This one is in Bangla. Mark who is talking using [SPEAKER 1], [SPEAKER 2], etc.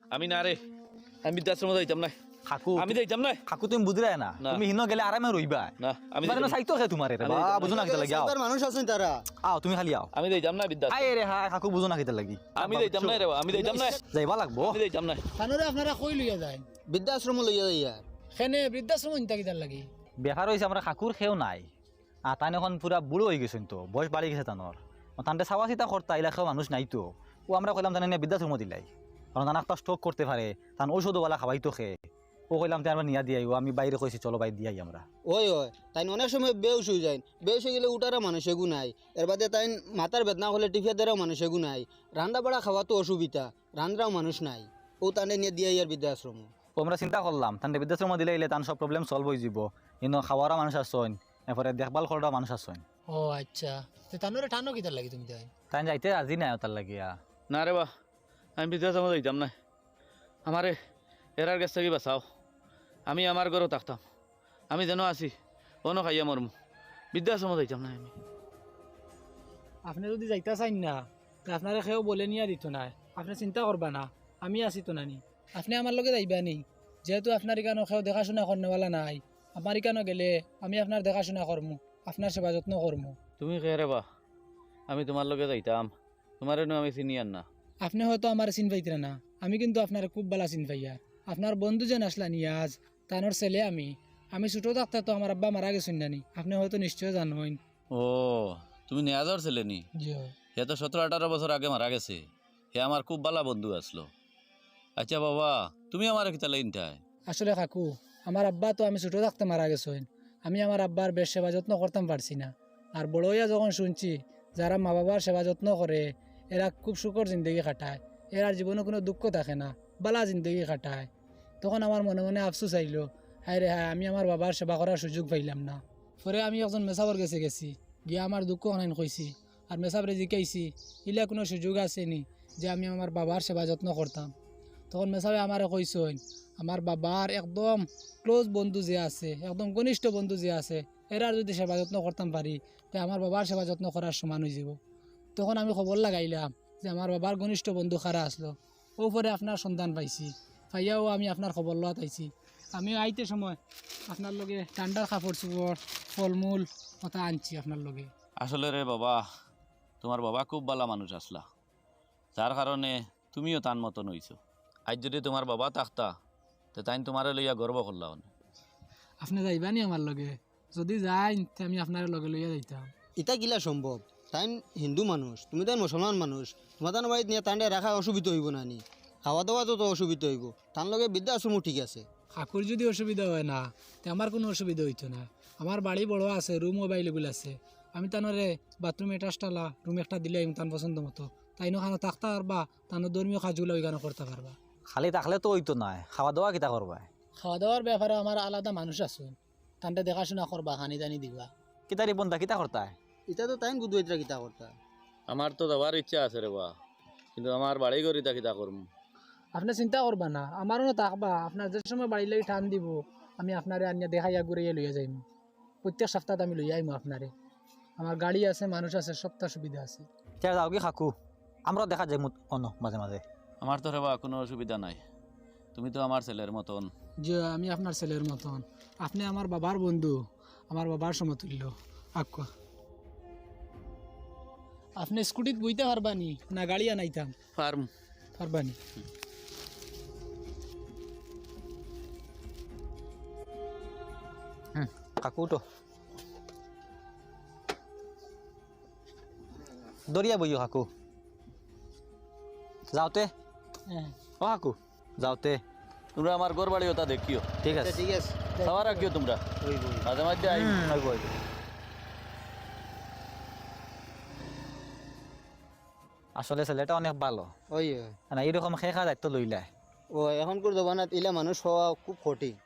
[SPEAKER 1] আমি না রে, আমি বৃদ্ধাশ্রমে যাইতাম না।
[SPEAKER 2] কাকু
[SPEAKER 1] আমি যাইতাম না।
[SPEAKER 2] কাকু তুমি বুঝরাই না
[SPEAKER 1] না।
[SPEAKER 2] তুমি হিনো গেলে আরামে রইবা
[SPEAKER 1] না, আমি
[SPEAKER 2] মানে
[SPEAKER 1] যাইতাম না।
[SPEAKER 2] সাইতো খে তোমারে রে
[SPEAKER 1] আমি
[SPEAKER 2] বা
[SPEAKER 1] যাইতাম না।
[SPEAKER 2] বুঝো না কিতা লাগি আও
[SPEAKER 3] মানুষ আছেন তারা
[SPEAKER 2] আও তুমি খালি আও
[SPEAKER 1] আমি যাইতাম না বৃদ্ধাশ্রম।
[SPEAKER 2] আয় রে হ্যাঁ কাকু বুঝো না কিতা লাগি
[SPEAKER 1] আমি যাইতাম না রে, আমি যাইতাম না।
[SPEAKER 2] যাইবা লাগবো
[SPEAKER 1] আমি যাইতাম না।
[SPEAKER 4] কানুরে আপনারা কই লইয়া যায়
[SPEAKER 3] বৃদ্ধাশ্রম লইয়া যাইয়া
[SPEAKER 4] সেনে বৃদ্ধাশ্রম ইনতা কিতার লাগি
[SPEAKER 2] বেকার হয়েছে আমরা কাকুর খেও নাই আর তাই এখন পুরা বুড়ো হয়ে গেছেন তো বয়স বাড়ি গেছে তানোর তানতে চাওয়া চিতা করতা এলাকাও মানুষ নাই তো ও আমরা কইলাম তানে বৃদ্ধাশ্রম দিলাই কারণ তান একটা স্ট্রোক করতে পারে তান ঔষধওয়ালা খাবাই তো খে ও কইলাম তাই আমরা নিয়া দিয়াই আমি বাইরে কইছি চলো বাই দিয়াই আমরা
[SPEAKER 3] ওই তাই অনেক সময় বেউস হয়ে যায় বেউস হয়ে গেলে উঠারও মানুষ এগু নাই এর বাদে তাই মাথার বেদনা হলে টিফিয়া দেওয়ারও মানুষ এগু নাই রান্না বাড়া খাওয়া তো অসুবিধা রান্নাও মানুষ নাই ও তানে নিয়ে দিয়ে আর বৃদ্ধাশ্রম
[SPEAKER 2] ও আমরা চিন্তা করলাম তানতে বৃদ্ধাশ্রম দিলে এলে তান সব প্রবলেম সলভ হয়ে যাব কিন্তু খাওয়ারও মানুষ আসছেন এরপরে দেখভাল করারও মানুষ আসছেন
[SPEAKER 4] ও আচ্ছা তো তানুরে টানো কিতার লাগি তুমি তাই
[SPEAKER 2] তাই যাইতে আজি নাই তার লাগিয়া
[SPEAKER 1] না রে বা, আমি বৃদ্ধাশ্রমে যাইতাম না। আমারে এরার কাছ থেকে বাঁচাও। আমি আমার ঘরেও থাকতাম। আমি যেন আছি অন্য খাইয়া মরমু। বৃদ্ধাশ্রমে যাইতাম না আমি।
[SPEAKER 4] আপনি যদি যাইতা চাইন না তো আপনারা কেউ বলে নিয়া দিত না আপনি চিন্তা করবা না আমি আছি তো নানি আপনি আমার লগে যাইবা নি যেহেতু আপনার ইকানো কেউ দেখাশোনা করনেওয়ালা নাই আমার ইকানো গেলে আমি আপনার দেখাশোনা করমু আপনার সেবা যত্ন করমু
[SPEAKER 1] তুমি কে রে বা? আমি তোমার লগে যাইতাম। তোমার আমি চিনি আর না।
[SPEAKER 4] আপনি হয়তো আমার চিন পাইতরা না আমি কিন্তু আপনার খুব ভালো চিন পাইয়া আপনার বন্ধু যেন আসলা নিয়াজ তানোর ছেলে আমি ছোটো থাকতে তো আমার আব্বা মারা গেছেন নানি আপনি হয়তো নিশ্চয় জানেন
[SPEAKER 1] ও, তুমি নেয়াজর ছেলে নি? হে তো 17-18 বছর আগে মারা গেছে। হে আমার খুব ভালো বন্ধু আসলো। আচ্ছা বাবা, তুমি আমার কিতা লাইনটায়?
[SPEAKER 4] আসলে কাকু আমার আব্বা তো আমি ছোটো থাকতে মারা গেছেন আমি আমার আব্বার বেশ সেবা যত্ন করতাম পারছি না আর বড় হইয়া যখন শুনছি যারা মা বাবার সেবা যত্ন করে এরা খুব সুখর জিন্দগি কাটায় এরার জীবনে কোনো দুঃখ থাকে না বালা জিন্দগি কাটায় তখন আমার মনে মনে আফসোস আইলো হায় রে হায় আমি আমার বাবার সেবা করার সুযোগ পাইলাম না পরে আমি একজন মেসাবর গেছি গিয়ে আমার দুঃখ অনেক কইছি আর মেসাবরে জিকাইছি ইলা কোনো সুযোগ আসেনি যে আমি আমার বাবার সেবা যত্ন করতাম তখন মেসাবে আমারে কইসইন আমার বাবার একদম ক্লোজ বন্ধু যে আছে একদম ঘনিষ্ঠ বন্ধু যে আছে এরার যদি সেবা যত্ন করতাম পারি তো আমার বাবার সেবা যত্ন করার সমান হয়ে যাব তখন আমি খবর লাগাইলাম যে আমার বাবার ঘনিষ্ঠ বন্ধু খারা আসলো ও পরে আপনার সন্ধান পাইছি পাইয়াও আমি আপনার খবর লওয়া পাইছি আমি আইতে সময় আপনার লগে ঠান্ডার কাপড় চোপড় ফলমূল কথা আনছি আপনার লগে
[SPEAKER 1] আসলে রে বাবা, তোমার বাবা খুব ভালো মানুষ আসলা, যার কারণে তুমিও তার মতন হইছো। আজ যদি তোমার বাবা থাকতা তো তাই তোমারে লইয়া গর্ব করলা।
[SPEAKER 4] আপনি যাইবানি আমার লগে যদি যাই তে আমি আপনার লগে লইয়া যাইতাম
[SPEAKER 3] ইটা কিলা সম্ভব তাই হিন্দু মানুষ তুমি তাই মুসলমান মানুষ তোমার তার বাড়িতে নিয়ে তান্ডে রাখা অসুবিধা হইব না নি খাওয়া দাওয়া তো অসুবিধা হইব তার লগে বৃদ্ধাশ্রমও ঠিক আছে
[SPEAKER 4] কাকুর যদি অসুবিধা হয় না তো আমার কোনো অসুবিধা হইতো না আমার বাড়ি বড় আছে রুম অ্যাভেলেবল আছে আমি তানরে বাথরুম অ্যাটাচটালা রুম একটা দিলে আমি তার পছন্দ মতো তাই নখানো থাকতে পারবা তানো ধর্মীয় কাজগুলো ওইখানে করতে পারবা
[SPEAKER 2] খালি থাকলে তো হইতো নাই খাওয়া দাওয়া কিতা করবা
[SPEAKER 4] খাওয়া দাওয়ার ব্যাপারে আমার আলাদা মানুষ আছে তানটা দেখাশোনা করবা হানি দানি দিবা
[SPEAKER 2] কিতারি বন্ধা কিতা করতায়
[SPEAKER 3] এটা তো তাই গুদুইতরা কিতা করতা
[SPEAKER 1] আমার তো যাওয়ার ইচ্ছা আছে রে বা, কিন্তু আমার বাড়ি ঘর ইতা কিতা করবো।
[SPEAKER 4] আপনি চিন্তা করবা না আমারও থাকবা আপনার যে সময় বাড়ি লাগি টান দিব আমি আপনারে আনিয়া দেখাইয়া ঘুরাইয়া লইয়া যাইম প্রত্যেক সপ্তাহে আমি লইয়া আইমু আপনারে আমার গাড়ি আছে মানুষ আছে সবটা সুবিধা আছে
[SPEAKER 2] এতিয়া যাও কি কাকু আমরা দেখা যাই অন মাঝে মাঝে
[SPEAKER 1] আমার তো রে বা কোনো অসুবিধা নাই। তুমি তো আমার ছেলের মতন।
[SPEAKER 4] যে আমি আপনার ছেলের মতন আপনি আমার বাবার বন্ধু আমার বাবার সমতুল্য আক্কা আপনি স্কুটিত বইতে পারবানি না গাড়ি আনাইতাম
[SPEAKER 1] ফার্ম
[SPEAKER 4] পারবানি
[SPEAKER 2] কাকু তো দরিয়া বইও কাকু যাওতে
[SPEAKER 4] হ্যাঁ
[SPEAKER 2] ও কাকু যাওতে
[SPEAKER 1] তোমরা আমার ঘর বাড়ি ওটা দেখিও,
[SPEAKER 2] ঠিক আছে
[SPEAKER 3] ঠিক আছে
[SPEAKER 1] খাওয়া রাখিও তোমরা মাঝে মাঝে আই।
[SPEAKER 2] আসলে ছেলেটা অনেক ভালো
[SPEAKER 3] ওই
[SPEAKER 2] না এইরকম খেয়ে খাওয়া দায়িত্ব লইলায়
[SPEAKER 3] ও এখন করে দেবা না ইলা মানুষ হওয়া খুব কঠিন